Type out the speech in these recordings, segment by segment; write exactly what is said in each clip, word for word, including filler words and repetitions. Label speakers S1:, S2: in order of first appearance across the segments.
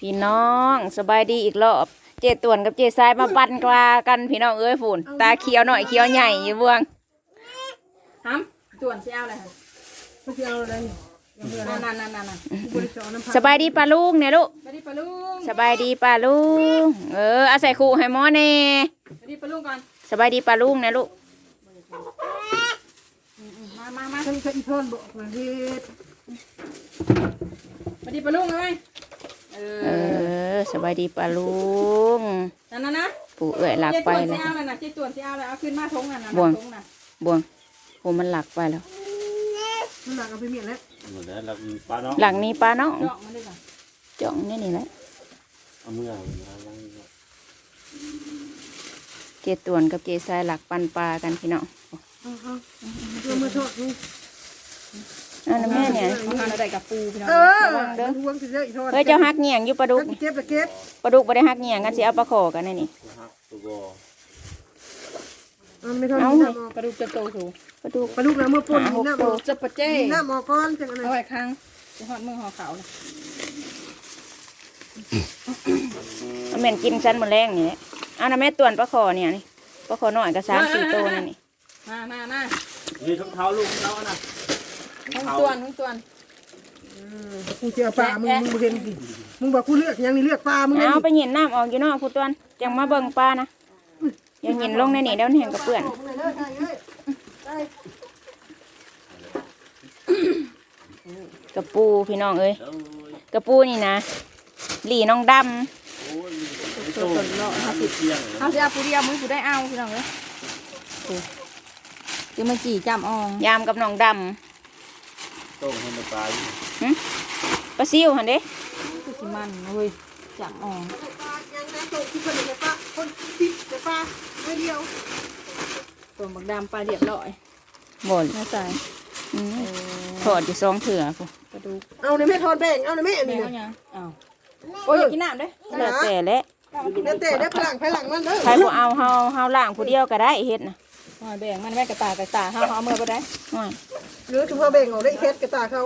S1: พี่น้องสบายดีอีกรอบเจต่วนกับเจทรายมาปั่นกลากันพี่น้องเอ้ยฝุ่นตาเขียวหน่อยเขียวใหญ่อยู่เบื้องฮัมต่วนเสียวอะไรฮะเสียวอะไรนั่นนั่นนั่นสบายดีปลาลุงเนี่ยลูกสบายดีปลาลุงสบายดีปลาลุงเออเอาใส่ขู่ให้หมอเน่สบายดีปลาลุงก่อนสบายดีปลาลุงเนี่ยลูกมามามาฉันจะอีทอนบอกมาเฮ็ดสบายดีปลาลุงเลยเออสบายดีปลาลุงนั่นนะนะผู้เอื้อยหลักไปเลยเจ๊ต่วนเสียวเลยเอาขึ้นมาทงนั่นนะบวงบวงโหมันหลักไปแล้วมันหลักเอาไปเมียนแล้วหลักมีปลาเนาะหลังมีปลาเนาะจ่องนี่นี่แหละเอามือเจต่วนกับเจทรายหลักปันปลากันพี่น้องเอามาทอดนี่อันนั้นแม่เนี่ยมาเราได้กับปูพี่น้องเออเด้อเฮ้ยเจ้าฮักเงี่ยงอยู่ปลาดุกเก็บเก็บปลาดุกไม่ได้ฮักเงี่ยงกันสิเอาปลาขอกันนี่เอาปลาดุกจะโตสูงปลาดุกปลาดุกแล้วเมื่อปุ่นหน้าหมอจะปะเจ้หน้าหมอก้อนจังอะไรเอาไว้ข้างจะหอดมือหอขาวเลยเอาเหม็นกินชั้นบนแรงนี่เอาน้ำแม่ต่วนปลาขอเนี่ยนี่ปลาขอหน่อยก็สามสี่โตนั่นนี่มามามานี่ทุกเท้าลูกเท้าน่ะทุกตัวนทุกตัวนกูเจอปลามึงมึงเห็นดิมึงบอกกูเลือกยังนี่เลือกปลามึงเอาไปเห็นน้ำออกอยู่นอกกูตัวนจังมาเบิ่งปลานะยังเห็นลงในนี่เดี๋ยวเห็นกับเปื่อนกระปูพี่น้องเอ้ยกระปูนี่นะหลีน้องดำเขาจะเอาปูเดียวมึงกูได้เอาพี่น้องเอ้ยจะมาจี่จำอองยามกับน้องดำต้มให้มันปลาปลาซิวหันเด้คือสิมันเว้ยจำอองตัวบักดำปลาเรียบร้อยบ่นน่าใจถอดอยู่ซองเถื่อกูกระดูกเอาในแม่ทอดแบ่งเอาในแม่นี่นะเอาโอ้ยอยากกินน้ำเด้แล้วแต่และแล้วแต่ได้พลังพลังมันเด้อใครบ่เอาเฮาเฮาล่างผู้เดียวก็ได้เฮ็ดนะแบ่งมันแม่กระตากระตาเฮาเฮาเมื่อก็ได้หรือถือว่าแบ่งเอาได้เฮ็ดกระตาเขา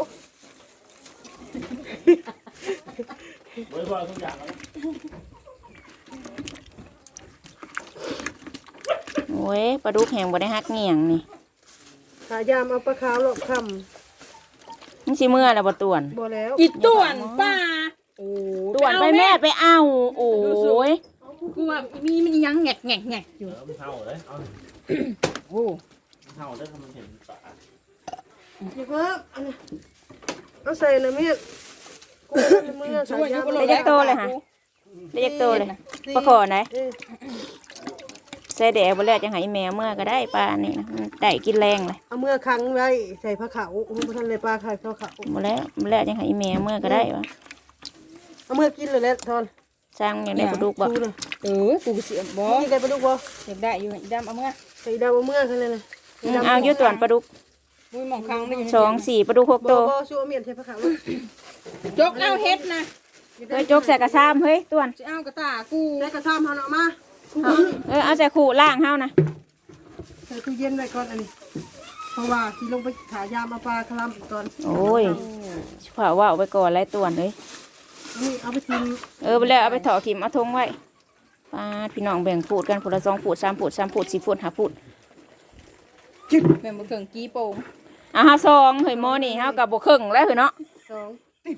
S1: โอ้ยปลาดุกแห้งบ่ได้ฮักเงี่ยงนี่ขายามเอาปลาขาวหลอกคำนี่สิเมื่อแล้วบ่ต่วนบ่แล้วอีต่วนป้าโอ้ต่วนไปแม่ไปเอาโอ้ยกูว่ามีมันยังแงกแงกแงกอยู่เท่าเลยเอาโอ้เท่าได้ทำมันเห็นปลาเดี๋ยวครับเอาใส่เลยแม่กูเมื่อขายามเล็กโตเลยฮะเล็กโตเลยปลาขอไหนใส่แดดบนแรกจะหายแมวเมื่อก็ได้ปลานี่นะได้กินแรงเลยเอาเมื่อครั้งไว้ใส่ผ้าขาวพระท่านเลยปลาไข่ผ้าขาวบนแรกบนแรกจะหายแมวเมื่อก็ได้ปะเอาเมื่อกินเลยแล้วทอนสร้างอย่างไรปลาดุกบ่เออปูเสียบ่กินได้ปลาดุกบ่อยากได้อยู่อีดำเอาเมื่อใส่ดำเอาเมื่อกันเลยนะเอาเยอะต่วนปลาดุกมุ้ยมองครั้งสองสี่ปลาดุกหกตัวบ่ชัวเมียนใส่ผ้าขาวจกเอาเฮ็ดนะเฮ้ยจกใส่กระซ้ำเฮ้ยต่วนจะเอากระตากูใส่กระซ้ำเอาเนาะมาเออเอาใส่ขู่ล่างเฮานะใส่ตู้เย็นไว้ก่อนอันนี้เพราะว่าที่ลงไปขายามาปลาคลำก่อนโอ้ยเผาว่าเอาไปก่อนไรต่วนเลยนี่เอาไปทิ้งเออไปแล้วเอาไปถอดขิมเอาทงไว้ปลาพี่น้องแบ่งปูดกันปูดละสองปูดสามปูดสามปูดสี่ปูดห้าปูดจิ๊บแบ่งบุกเข่งกี้โป่งอ่ะฮะซองเฮ้ยโมนี่เฮากับบุกเข่งแล้วเฮ้ยเนาะสอง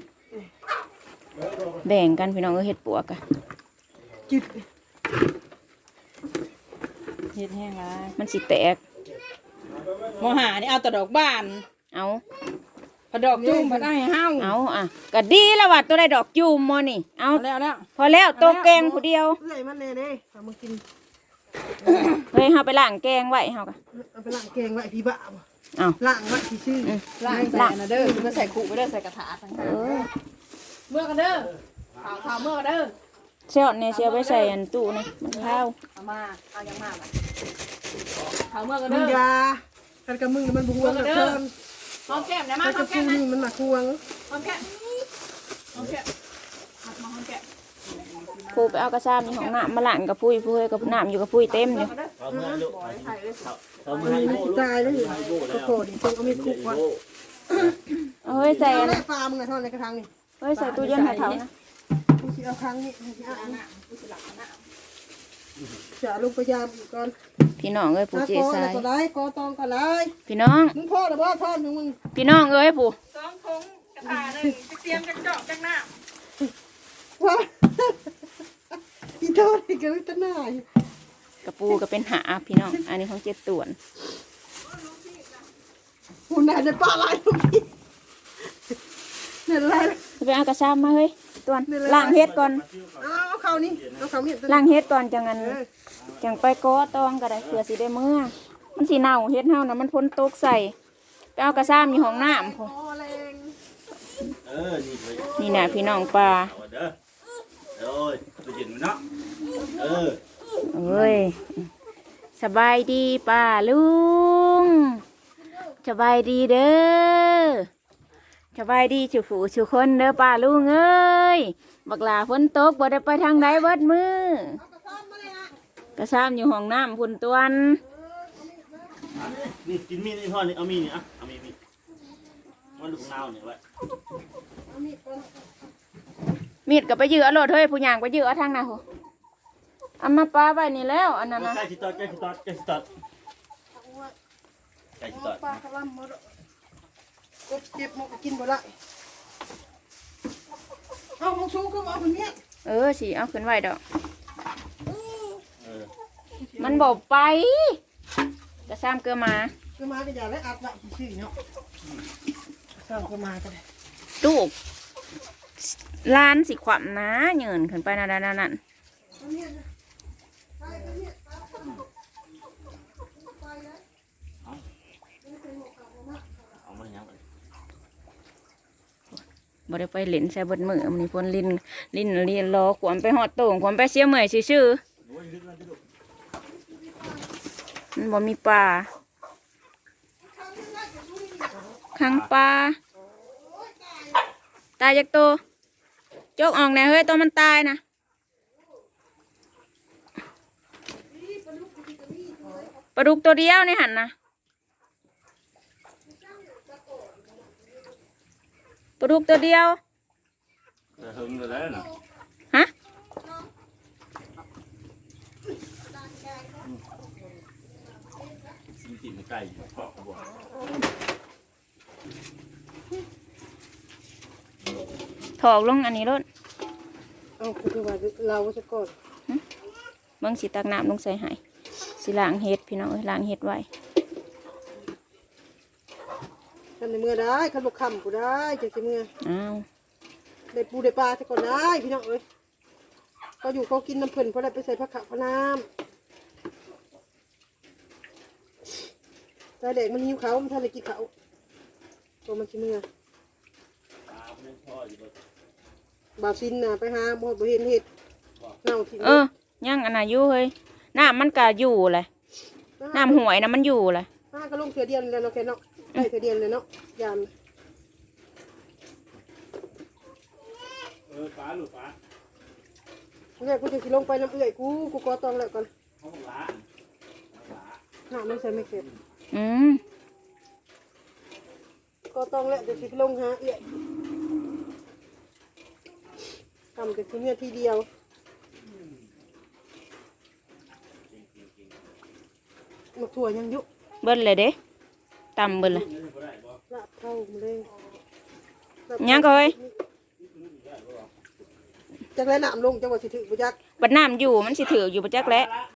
S1: แบ่งกันพี่น้องเออเห็ดปัวกันจิ๊บเห็ดแห้งละมันสิแตกมหานี่เอาแต่ดอกบานเอาพอดอกจุ่มมันได้เฮาเอาอ่ะก็ดีแล้วว่ะตัวได้ดอกจุ่มมอนี่เอาแล้วแล้วพอแล้วตัวแกงผู้เดียวเฮ้ยมันเน่เด้เอามากินเฮ้ยเฮาไปล้างแกงไว้เฮาก็เอาไปล้างแกงไว้พี่บ้าเอาล้างไว้พี่ชื่อล้างใส่นะเด้อมาใส่ขู่ไปเด้อใส่กระถาทั้งนั้นเมื่อกันเด้อข่าวข่าวเมื่อกันเด้อเชี่ยวเนี่ยเชี่ยวไปใส่อันตู้นี่มันข้าวเอามาเอายังมาข่าวเมื่อกันเด้อยากันกับมึงมันบวงกับเพิ่มหอมแก้มนะมาหอมแก้มนะมันหมักควงหอมแก้มหอมแก้มหัดมาหอมแก้มพูไปเอากระซ้ำนี่ของน้ำมาหลั่นกับพุ้ยพุ้ยกับน้ำอยู่กับพุ้ยเต็มอยู่ตายเลยก็โคตรต้องเอามีคุกวะเฮ้ยใส่อะไรปลามึงไงทอดในกระถางนี่เฮ้ยใส่ตู้เย็นให้เขานะ
S2: ที่เอาครั้งนี้ที่อ่านจะลงพยายามอีกก่อน
S1: พี่น้องเอ้ยผู้เจสาย
S2: ก็ได้กอตองก็ได้
S1: พี่น้อง
S2: มึงพ่อหรือว่าท่อนมึง
S1: พี่น้องเอ้ยผู้
S3: สองทงกระถาหนึ่งจะเตรียมกันจอกจังหน้า
S2: ว่าอีโทษอีกแล้วตะหน่าย
S1: กระปูก็เป็นหาพี่น้องอันนี้ของเจ็ดต่วน
S2: หุ่นไหนในปลาไหลทุกทีเนี่ยอะไร
S1: ไปเอากระชามมาเฮ้ยต่วนล้างเฮ็ดก่อน
S2: เอาเขานี่เอาเขาเนี่ย
S1: ล้างเฮ็ดก่อนจังงั้นจังไปก้อตองก็ได้เผื่อสิได้เมื่อมันสิเน่าเฮ็ดเฮานะมันพ้นตกใส่ไปเอากระชามอยู่ห้องน้ำพอนี่นะพี่น้องปลา
S4: เอ้ยไปกินมันเนาะเออ
S1: เอ้ยสบายดีป้าลุงสบายดีเด้อสบายดีชุผู้ชุคนเด้อป้าลุงเอ้ยบักหลาฝนตกบ่ได้ไปทางใดเบิดมือกระซ้ำอยู่ห้องน้ำพุ่นตวน
S4: นี่กินมีดนี่พ่อนี่เอามีดนี่อ่ะเอามีดมีดมันลูกนาวเนี่ยไว้
S1: มีดกับไปยื้อเอาโลดเฮ้ยผู้หญิงไปยื้อเอาทางน่ะโหเอามาปลาไว้นี่แล้วอันนั้นนะ
S4: ใกล้ชิดตอดใกล้ชิดตอดใกล้ชิดตอดใกล้ชิดตอด
S2: ปลาขลังมดกบเก็บมกกินบ่ได้เอามงชูก็เอาคนนี้
S1: เออสิเอาขึ้นไว้ดอกมันบอกไปกระซ้ำเกลือมา
S2: เกลือมาก็อย่าได้อัดละชื่อเนาะซ้ำเกลือมาก็ได้
S1: ลูกล้านสิขวัญนะเงินขึ้นไปนั่นนั่นนั่นบ่ได้ไปเล่นใส่บดมือมันนี่พ้นลิ้นลิ้นเรียนรอขวมไปหอดโต่งขวมไปเสียเมื่อยชื่อมันบ่มีปลาขังปลาตายจากตัวโจกออกแน่เฮ้ยตัวมันตายนะปลาดุกตัวเดียวนี่หันนะปลาดุกตัวเดียวฮะถอกลงอันนี้รถ
S2: เอาคือว่าเราจะกด
S1: เบิ่งสิตักน้ำลงใส่ให้สิล้างเห็ดพี่น้องเอ้ยล้างเห็ดไว้
S2: ทำในเมื่อได้ขันบกคำกูได้จะกินเมื่อ
S1: อ้าว
S2: ได้ปูได้ปลาจะก่อนได้พี่น้องเอ้ยเขาอยู่เขากินน้ำเพิ่นเพราะได้ไปใส่ผักขะพะน้ำใจเด็กมันหิวเขามันทานอะไรกินเขาตัวมันกินเมื่อบาซินน่ะไปหาบ่บ่เห็นเห็ดเน่าทิ้ง
S1: เออย่างอันน่ะอยู่เฮ้ยน้ำมันก็อยู่เลยน้ำหวยนะมันอยู่เลย
S2: ห้าก็ลงเถื่อเดียนเลยเนาะแค่เนาะได้เถื่อเดียนเลยเนาะยาม
S4: เออปลาหรือปลา
S2: เนี่ยกูจะสิลงไปน้ำเอื่อยกูกูก็ต้องแล้วก่อนน้ำไม่ใช่ไม่เก็บ
S1: อืม
S2: ก็ต้องแล้วจะสิลงหาเอื่อยทำแต่ทีเนี้ยทีเดียวมาถั่วยังยุ
S1: เบิ้ลเลยเด้ตำเบิ้ลเลย
S2: ลาบเข้ามาเลย
S1: ยังก็เฮ้ย
S2: จักแล้วน้ำลงจังหวะสิถือบุจัก
S1: บัดน้ำอยู่มันสิถืออยู่บุจักแล้ว